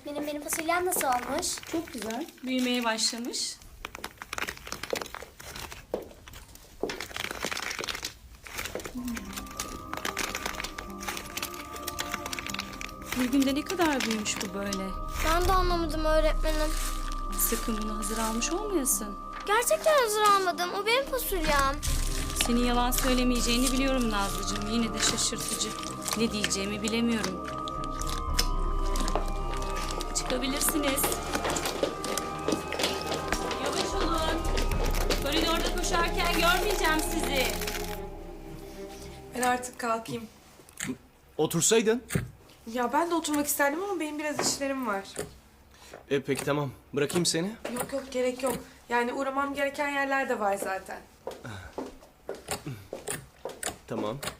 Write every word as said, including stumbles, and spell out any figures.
Öğretmenim benim fasulyem nasıl olmuş? Çok güzel. Büyümeye başlamış. Bir günde ne kadar büyümüş bu böyle? Ben de anlamadım öğretmenim. Sakın bunu hazır almış olmayasın. Gerçekten hazır almadım. O benim fasulyem. Senin yalan söylemeyeceğini biliyorum Nazlıcığım. Yine de şaşırtıcı. Ne diyeceğimi bilemiyorum. Çıkabilirsiniz. Yavaş olun. Koridorda koşarken görmeyeceğim sizi. Ben artık kalkayım. Otursaydın. Ya ben de oturmak isterdim ama benim biraz işlerim var. E peki tamam. Bırakayım seni. Yok yok gerek yok. Yani uğramam gereken yerler de var zaten. Tamam.